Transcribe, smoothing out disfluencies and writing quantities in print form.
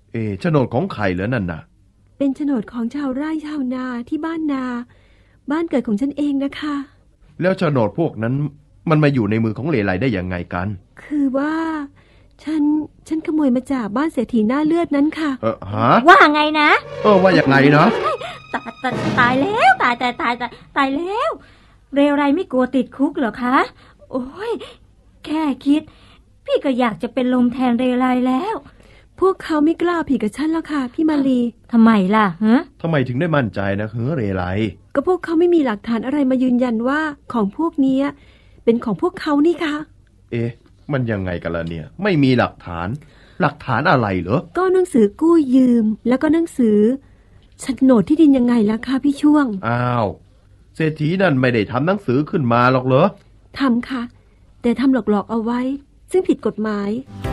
โฉนดของใครเหรอนั่นน่ะเป็นโฉนดของชาวไร่ชาวนาที่บ้านนาบ้านเกิดของฉันเองนะคะแล้วโฉนดพวกนั้นมันมาอยู่ในมือของเลไลได้ยังไงกันคือว่าฉันขโมยมาจากบ้านเศรษฐีหน้าเลือดนั้นค่ะฮะว่าไงนะว่าอย่างไงนะตายแล้วตายแล้วเรไรไม่กลัวติดคุกเหรอคะโอ้ยแค่คิดพี่ก็อยากจะเป็นลมแทนเรไรแล้วพวกเขาไม่กล้าผิดกับฉันแล้วค่ะพี่มาลีทำไมล่ะฮะทำไมถึงได้มั่นใจนะเรไรก็พวกเขาไม่มีหลักฐานอะไรมายืนยันว่าของพวกนี้เป็นของพวกเขานี่ค่ะมันยังไงกันล่ะเนี่ยไม่มีหลักฐานอะไรเหรอก็หนังสือกู้ยืมแล้วก็หนังสือโฉนดที่ดินยังไงล่ะคะพี่ช่วงอ้าวเศรษฐีนั่นไม่ได้ทำหนังสือขึ้นมาหรอกเหรอทำค่ะแต่ทำหลอกๆเอาไว้ซึ่งผิดกฎหมาย